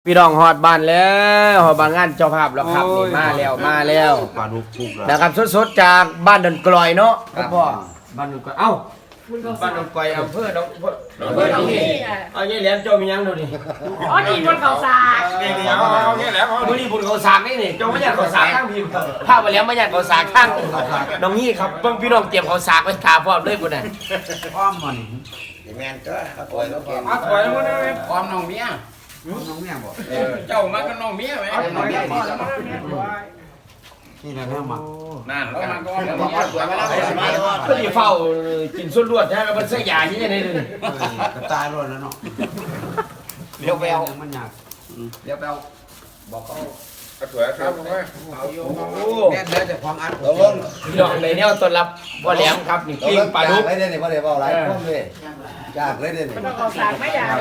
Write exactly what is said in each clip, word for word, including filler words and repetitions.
พี่น้องฮอดบ้านแล้วฮอดบ้านงานเจ้าภาพแล้วครับนี่มาแล้วมาแล้วปลาดุกทุกแล้วนะครับสดๆจากบ้านดอนกลอยเนาะครับพ่อบ้านดอนกลอยเอ้าบ้านดอนกลอยอำเภอดอนอำเภอที่เอาเนี่ยแหลมเจ้ามียังดูดิอ๋อนี่บนเขาสากนี่นี่เอาเอาเนี่ยแหลมเอาดูนี่บุญเขาสากนี่นี่เจ้าไม่อยากเขาสากข้างพิมพ์ภาพมาแล้วไม่อยากเขาสากข้างน้องนี่ครับเบิ่งพี่น้องเตรียมเขาสากไว้ทาพร้อมเลยพุ่นน่ะอ้อมมันแมนก็เอาปล่อยแล้วแกเอาถอยมาเลยอ้อมน้องเมียน้องเมียบอกเจ้ามากับน้องเมียไหมน้องเมียนี่แล้วนี่แหละแม่มานั่นเอามาก็แล้วน้ก็องเมียปล่อยมาแล้วไปสบายแล้วก็ดีเฝ้ากินส่วนรวดใช่ไหมมันเสียยาที่ไหนเลยกระตายรถแล้วเนาะเดี๋ยวไปเอามันยากเดี๋ยวไปเอาบอกเขาสวยครับผมว่าเอาอยู่แม่เดี๋ยวจะควงอัดตกลงพี่น้องในเนี่ยต้อนรับพ่อแหลมครับนี่ปิ้งปลาดุกเลยเนี่ยพ่อเดี๋ยวเอาหลายคนเลยจากเลยเนี่ยบนเขาสากไม่อยาก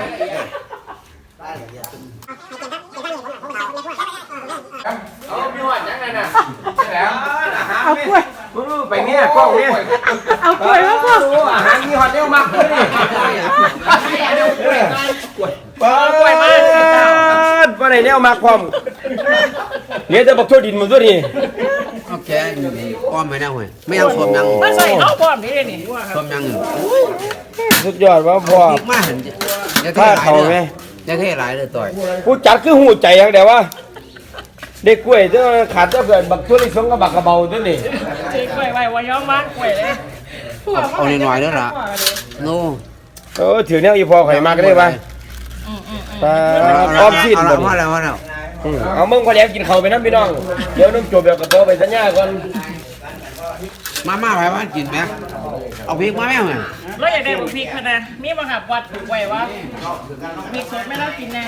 เอาพี่หอดยังไงน่ะแหลมเอากล้วยไปเนี่ยกล้องเนี่ยเอากล้วยมาพ่ออาหารมีหอดเร็วมากเลยนี่เปิดกล้วยมาว่าไหนเนี่ยมาความเนี่ยจะบอกทั่วดินมันตัวนี้โอเคอ้อมไม่ได้เว้ยไม่ยังสวมยังมาใส่เข้าพร้อมนี่เลยนี่สวมยังสุดยอดว่าพ่ออีกมาเห็นจะเทถ้าหลายเขาเลไหมยจะเทหลายเลยต่อยผู้จัดคือหูใจอย่างเดียวว่าเด็กกล้วยเจ้าขาดเจ้าเกิดบักทั่วลิสงกับบักกระเบาตัวนี้ซื้อกล้วยไว้ว่าย้อมมากกล้วยเลยเอาหน่อยๆแล้วล่ะโน่เออถือเนี่ยอีพอข่อยมาก็ได้ป่ะอืมอืมอืมปลาอ้อมสิ้นเอาหมละดว่าแล้วว่าแล้วเอามึงพอแล้วกินข้าวไปน้ำพี่น้องเดี๋ยวน้องจบแบบกับตัวไปสัญญาก่อนมาม่าไปมากินไหมเอาพริกมาแม่เหรอแล้วอยากได้บุพริกพะนะมีบังคับวัดไว้ว่ามีสดไม่ต้องกินแน่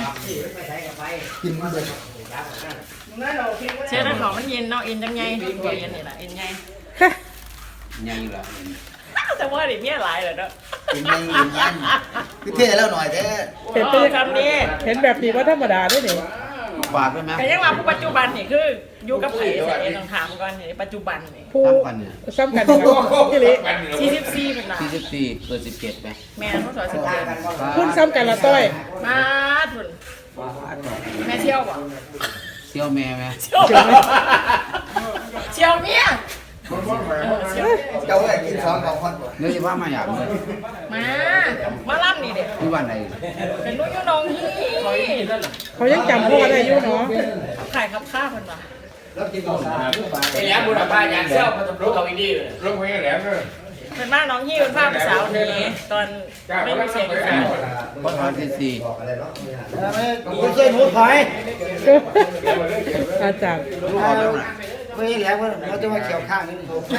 เชื่อนะของมันเย็นเนาะเอ็นจังไงตัวเย็นนี่แหละเอ็นไงยังอยู่ละแต่ว่าดิเนี่ยหลายเลยเนาะกินไม่กินยันคือเท่แล้วหน่อยแท้เห็นเป็นคำนี้เห็นแบบนี้ว่าธรรมดาด้วยนี่ฝากด้วยไหมแต่ยังว่าผู้ปัจจุบันนี่คืออยู่กับไผ่ใส่เอ็นต้องถามก่อนนี่ปัจจุบันนี่ผู้ทำกันเนี่ยซ้ำกันครับพี่ลิสี่สิบสี่เป็นหลักสี่สิบสี่เกิดสิบเจ็ดไหมแม่เขาสอนสิบเจ็ดคุณซ้ำกันละต้อยมาทุนแม่เที่ยวบ่เซี่ยวแม่ไหมเที่ยวเที่ยวเมียเที่ยวเจ้าเลยกินสองของคนเนื้อจะว่ามาอยากเลยมามาล่ำนี่เด็กที่วันไหนเป็นลูกยูนองฮีเขายังจำพ่อได้อยู่เนาะขายครับข้าวคนละแล้วกินก่อนไอ้แหลมบุญบ้านยานเซี่ยวพัฒนาเขาอีดีเลยเป็นบ้านน้องฮีเป็นภาพสาวนี้ตอนไม่มีเสียงสาวพอทอนสี่สี่บอกอะไรเนาะไม่ใช่หมูถอยอาจารย์ลูกออกแล้วนะไม่แล้วเราจะมาเขียวข้างนี่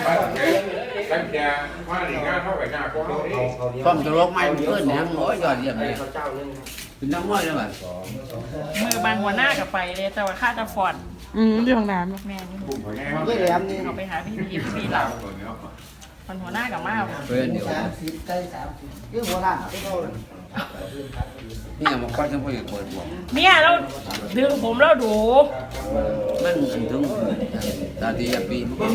ต้มจะลกไม้เพื่อนเนี่ยโอ้ยยอดเยี่ยมเลยเป็นน้ำม้อยเลยมั้ยมือบางหัวหน้ากับไปเลยแต่ว่าค่าจะฟอนอืมที่ห้องน้ำแม่นี่ไม่แหลมนี่เอาไปหาพี่พีพี่เหล่าคนหัวหน้ากับมาเพื่อนเดี๋ยวสามสิบใกล้สามสิบคือหัวหน้านี่ยังมาคว้าจังพ่ออย่างเปิดบวกเมียเราดึงผมแล้วดูมันอันถึงตาดีปี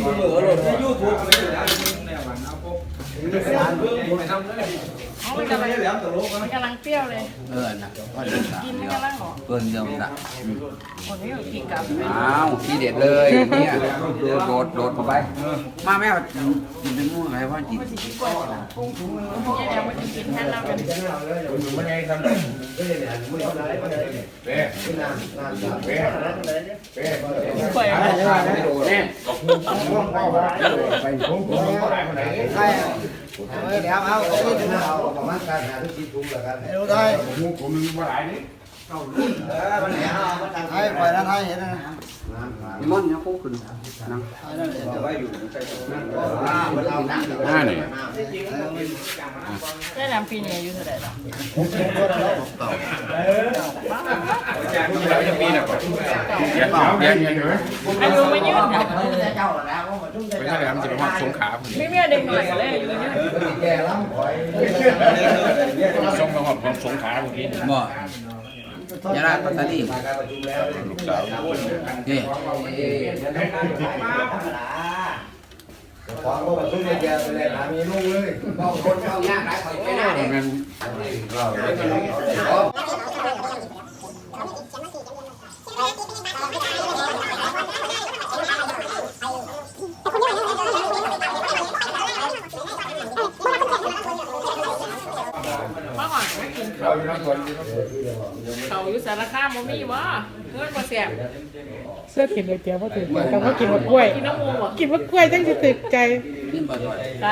อ๋อมันกำลังมันกำลังเปรี้ยวเลยเออนะว่าเดือดกินมันกำลังหรอเกินเดียวนะคนนี้ก็กินกับอ้าวทีเด็ดเลยเนี่ยโดดโดดเข้าไปมาแม่กินเป็นมู่อะไรว่าจิตเนี่ยเดี๋ยวมันจะกินแทนเราเป็น เปิดใช่แล้วเอาเอาประมาณการหาทุกทีทุ่มแล้วกันรู้ได้ผมมีมาหลายนี่เออมันเห็นอ่ะมันทางไทยปล่อยทางไทยเห็นนะนิมนต์เนี่ยคู่ขึ้นนั่งห้าเนี่ยได้นำปีนี้อายุเท่าไหร่หรออายุไม่ยืดค่ะไม่ใช่แล้วมันจะเป็นความสงขาไม่เมียเด็กหน่อยก็เลยอายุยืดแก่แล้วปล่อยส่งมาหอดความสงขาเมื่อกี้บ่ยาลาปัตตานีลูกสาวนี่ของก็ชุ่มเยอะไปเลยหามีลูกเลยบางคนเข้ายากหลายคนไม่ได้มันเราสารคามบ่มีบ่เงินบ่แซ่บเสื้อกินเลยเตี๋ยวพอถึงแต่ว่ากินมะกล้วยกินน้ำมูกบ่กินมะกล้วยจังสิตึกใจจ้า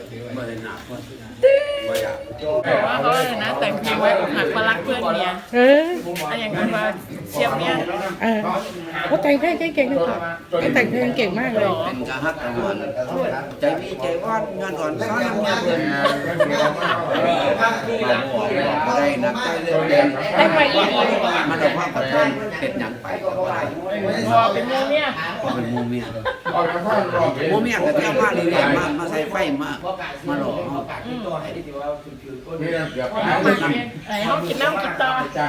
แต่ว่าเขาเลยนะแต่งเพลงไว้อกหักมารักเพื่อนเมียเอออะไรอย่างนั้นมาเชียบเนี่ยเออเขาแต่งเพลงเก่งๆเลยค่ะเขาแต่งเพลงเก่งมากเลยเป็นกะฮักกะหวนใจมีใจว่านงานอ่อนซ้อนงานเพิ่นบ่ได้นักใจเรื่องเด่นแต่งไว้อีกมันเอาความกับเพิ่นเฮ็ดหยังไปก็บ่ได้พอเป็นโมเนี่ยเป็นหมู่เมียหมู่เมียก็เที่ยวมาเรื่อยๆมามาใส่ไฟมามาหลอกเฮาไอ้เขากินน้ำกินต่อ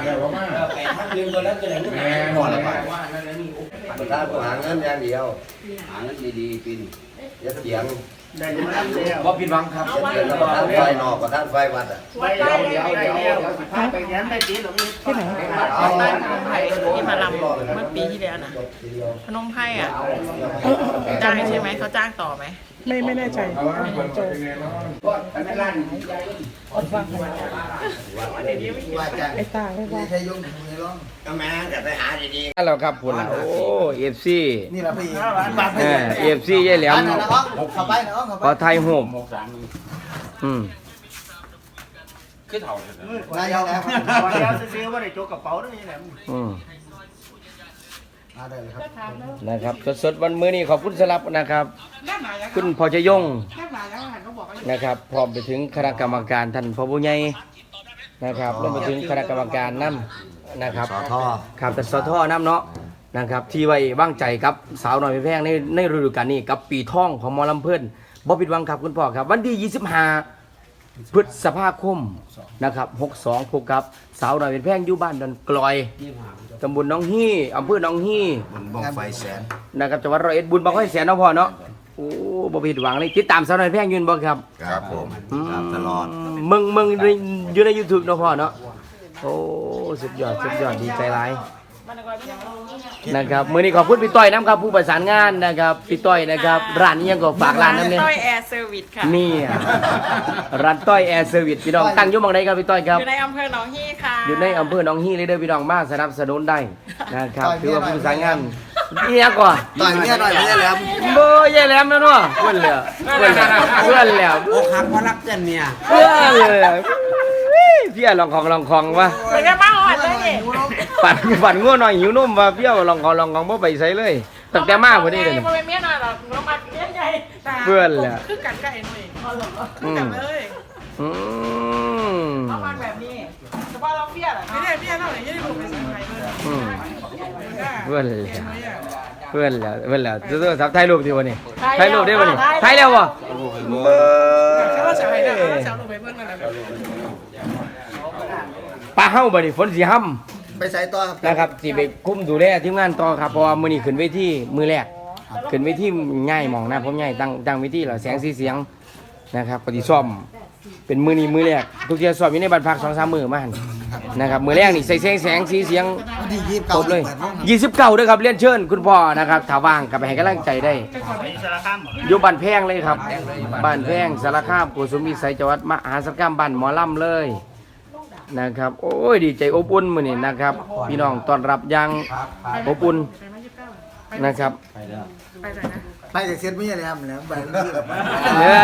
พอแล้วไปประธานหาเงินอย่างเดียวหาเงินดีๆปีนี้อย่าเถียงบ่ผิดหวังครับอย่าเถียงกับประธานไฟนอกประธานไฟวัดอ่ะวัดใต้เดียวเดียวที่ไหนวัดใต้พนมไพรที่มาลำเมื่อปีที่แล้วนะพนมไพรอ่ะจ้างใช่ไหมเขาจ้างต่อไหมไม่ไม่แน่ใจโจว่าจะไอ้ตาไม่ว่าใช้ยุ่งไม่ร้องก็แม่จะไปหาดีนั่นแหละครับคุณโอ้เอฟซีๆนี่แหละพี่บาทเออเอฟซียายแหลมน้องเข้าไปน้องเข้าพอไปไทยโฮมอืมคือเถ่านายแล้วแล้วซื้อว่าได้โจกกระเป๋าด้วยนี่แหละอืมมาได้เลยครับนะครับสดๆวันมื้อนี้ขอบคุณสลับนะครับ คุณพอชยงนะครับพร้อมไปถึงคณะกรรมการท่านพผู้ใหญ่นะครับรวมไปถึงคณะกรรมการนำนะครับสอทอครับแต่สอทอน้ำเนาะนะครับ ที่ไว้วางใจกับสาวน้อยเพชรแพงในในฤดูกาลนี้กับปีท่องของหมอลำเพิ่นบ่ผิดหวังครับคุณพ่อครับวันที่ยี่สิบห้าพฤษภาคมนะครับหกสองพบกับสาวน้อยเพชรแพงอยู่บ้านดอนกลอยตำบลหนองฮี่อำเภอหนองฮี่มันบ้องไฟแสนนะครับจังหวัดร้อยเอ็ดบุญบังไฟแสนเนาะพ่อเนาะโอ้บ่ผิดหวังเลยติดตามสาวน้อยเพชรแพงอยืนบ่ครับครับผมครับตลอดมึงมึงอยู่ใน YouTube เนาะพ่อเนาะโอ้สุดยอดสุดยอดดีใจหลายนะครับมื้อนี้ขอบคุณพี่ต้อยน้ำครับผู้ประสานงานนะครับพี่ต้อยนะครับร้านนี้ยังก็ฝากร้านน้ำเนี่ยต้อยแอร์เซอร์วิสค่ะนี่อะร้านต้อยแอร์เซอร์วิสพี่น้องตั้งอยู่หม่องใดครับพี่ต้อยครับอยู่ในอำเภอหนองฮี่ค่ะอยู่ในอำเภอหนองฮีเลยเด้อพี่น้องมาสนับสนุนได้นะครับถือว่าผู้ประสานงานนี่ยังก่อนต่อยเมียหน่อยไม่ได้แล้วเบอร์ยายแหลมแล้วเนาะเพื่อนแล้วเพื่อนแล้วเพื่อนแล้วอกหักเพราะรักเพื่อนเมียเพื่อนเลยพี่ลองของลองของวะเหมือนกันมาหอดเลยนี่ปั่นปั่นง่วงหน่อยหิวนมว่าเพี่ยวลองของลองของบ่ไปใส่เลยตั้งแต่มาพอดีเลยมันเป็นเมียหน่อยหรอกเรามาเมียใหญ่เพื่อนแหละคือกันไก่หน่อยอืมเลยอืมเอามาแบบนี้เฉพาะเราเมียเหรอไม่ได้เมียเราเนี่ยยังได้ผมไปซื้อไทยเลยอืมเพื่อนแหละเพื่อนแหละเพื่อนแหละตัวๆสับถ่ายรูปดีวะนี่ถ่ายรูปได้วะนี่ถ่ายแล้ววะเบอเขาจะให้ได้เขาร์จะเอาลงไปเพื่อนกันแล้วปลาเฮ้าบ่นี่ฝนสีห้ำไปใส่ต่อครับนะครับสิไปคุ้มดูแลทีมงานต่อครับเพราะว่ามื้อนี้ขึ้นเวทีมื้อแรกขึ้นเวทีง่ายหมองนะผมง่ายตั้งตั้งเวทีแล้วแสงสีเสียงนะครับปฏิซ่อมเป็นมื้อนี้มื้อแรกทุกเที่ยซ่อมอยู่ในบ้านพัก สองสาม มื้อมาหั่นนะครับมื้อแรกนี่ใส่แสงแสงสีเสียงวันที่ยี่สิบคเก้ารบเลยเปิดวงยี่สิบเก้าด้วยครับเรียนเชิญคุณพ่อนะครับถ้าว่างก็ไปให้กำลังใจได้สารคามอยู่บ้านแพงเลยครับบ้านแพงสารคามโกสุมวิสัยจังหวัดมหาสารคามบ้านหมอลำเลยนะครับโอ้ยดีใจอบอุ่นมื้อนี้นะครับพี่น้องต้อนรับอย่างอบอุ่นนะครับไปแต่เซ็ตไม่ใช่เลยครับแล้วไปเรื่อยเนี่ย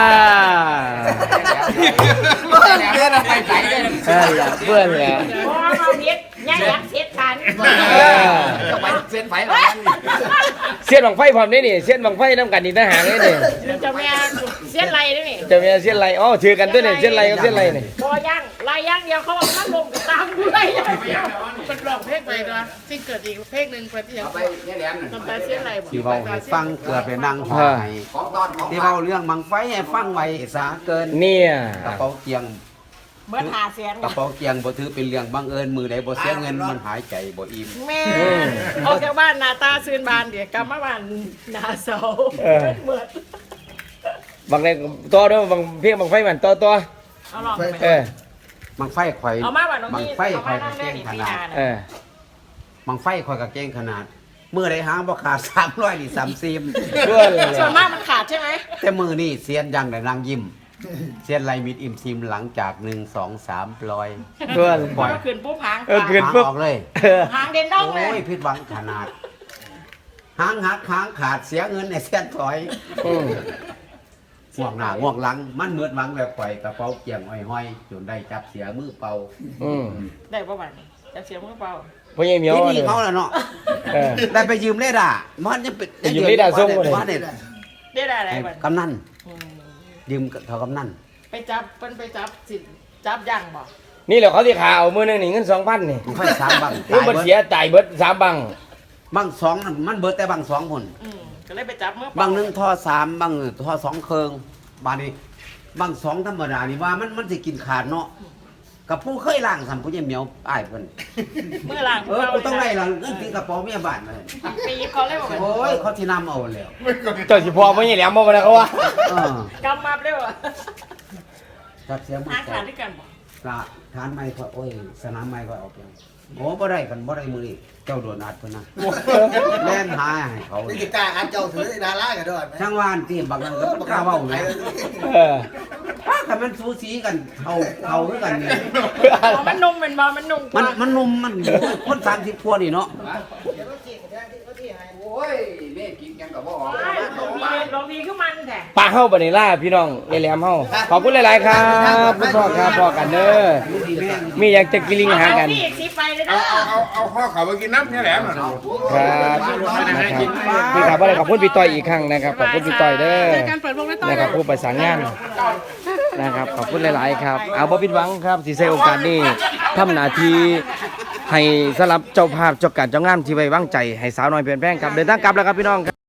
เพื่อนไปใส่ได้เออแหละเพื่อนแหละโอ้มาเมียยังยังเสียกันเออไปเส้นไฟแล้วเสียนบังไฟพร้อมได้นี่เสียนบังไฟน้ำกันนี่ทหารเลยนี่จะเมียเสียไรด้วยนี่จะมีเสียนไรอ๋อถือกันด้วยนี่เสียนไรกับเสียนไรนี่พอย่างลายย่างเดียวเขาบอกถ้าลงตามกูได้ยังเดียวมันร้องเพลงไปนะที่เกิดอีกเพลงหนึ่งเป็นที่ยังไปเนี่ยแหลมทำแต่เสียไรบ่ที่เว้าให้ฟังเกือบไปนั่งหอให้ที่เว้าเรื่องมังไฟให้ฟังไว้สาเกินเนี่ยกระเป๋าเกียงเมื่อหาเสียงกระเป๋าเกียงบ่ถือเป็นเรื่องบังเอิญมือใดบ่เสียเงินมันหายใจบ่อิ่มแม่ออกจากบ้านนาตาซื่นบานเดี๋ยวกลับมาบ้านนาเสาเหมือนบางในต่อด้วยบางเพียงบางไฟมันต่อต่อเอาหลอกไปเออมังไฟข่อยเอามาบ้านน้องมังพี่ไฟเอาข่มาอยนั่ก็งเก่เล่นงอีกขพี่นาดนาเออมังไฟข่อยก็เก่งขนาดมือใดหางบ่ขาดสามร้อยนี่สามสิบเพื่อนเลยส่วนมากมันขาดใช่ไหมแต่มือนี่เสียนยังได้นางยิ้มเสียนไรมิดอิ่มซิมหลังจากหนึ่งสองสามปล่อยเพื่อนพอขึ้นปุ๊บหางเออขึ้นหางปุ๊บออกเลยเออหางเด่นดองเลยโอ้ยผิดหวังขนาดหางหักหางขาดเสียเงินในเสียนถอยอืมห่วงหน้าห่วงหลัง มันเหมือนหวังแบบข่อยกระเป๋าเกี่ยงห้อยๆจนได้จับเสียมือเป่าอืมได้ประมาณจะเสียมือเปล่าพ่อใหญ่เหมียวที่เลนี่ยเขาแล้วเนาะเออได้ไปยืมเลด้ามันยังเป็นไปยืมเลด้าส่งบ่ได้ว่าเด็ดได้ได้อะไรบ้างกำนันยืมเขากำนันไปจับเป็นไปจับสิจับย่างบ่นี่แหละเขาที่ขาเอามือหนึงนี่เงินสองพันนี่มันค่อยสามบังเงินมันเสียจ่ายเบิดสามบังบังสองนั่นมันเบิดแต่บังสองคนอืมก็เลยไปจับมือเปบัล่างหนึ่งท่อสามบังท่อสองเคิงบานนี้บังสองธรรมดานี่ว่ามันมันจะกินขาดเนาะกับผู้เคยล่างสัมผู้ยังเหมียวอ้ายเพิ่นมือล่างเออกูต้องได้ล่ะเงินตีกระเป๋าเมียบ้านมาเลยปีเขาเลยบอกโอ้ยเขาที่นำเอาแล้วเจ้าสิพอพ่อใหญ่แหลมบ่มาแล้วเขาว่าเออกำมาเลยว่ะจับเสียมือหาใจขาดด้วยกันบ่กระทานไม้ก็โอ้ยสนามไม้ก็เอาไปโอ้บ่ได้กันบ่ได้มือนี่เจ้าโดนอัดเพิ่นนะแล่นหาให้เขานี่กีตาร์อันเจ้าถือดารากันด้วยไหมช่างว่านที่บักนั้นก็บ่กล้าเว้าแหมเออถ้าคันมันสูสีกันเอาเอาคือกันนี่อ๋อมันนุ่มเป็นบ่มันนุ่มกมันว่ามันนุ่มมันคนสามสิบพวนี่เนาะโอ้ยแม่กินกันกับบ่ออกใช่ลองดีลองดีขึ้นมันแท้ปลาเฮาบัดนี้ล่าพี่น้องยายแหลมเฮาขอบคุณหลายๆครับคุณพ่อครับพ่อกันเด้อมีอยากจะกินลิงหากันพี่อีกสิไปเลยเอานะเอาเอาเอาข้อเขาไปกินน้ำนี่แหละมันครับนะครับพี่ครับว่าอะไรขอบคุณพี่ต้อยอีกครั้งนะครับขอบคุณพี่ต้อยเด้อเจอกันเปิดวงแล้วต่อนะครับผู้ประสานงานนะครับขอบคุณหลาย ๆ ครับ เอาบ่ผิดหวังครับที่ใช้โอกาสนี้ทำหน้าที่ให้สำหรับเจ้าภาพเจ้าการเจ้างานที่ไว้วางใจให้สาวน้อยเปลี่ยนแปลงครับเดินทางกลับแล้วครับพี่น้องครับ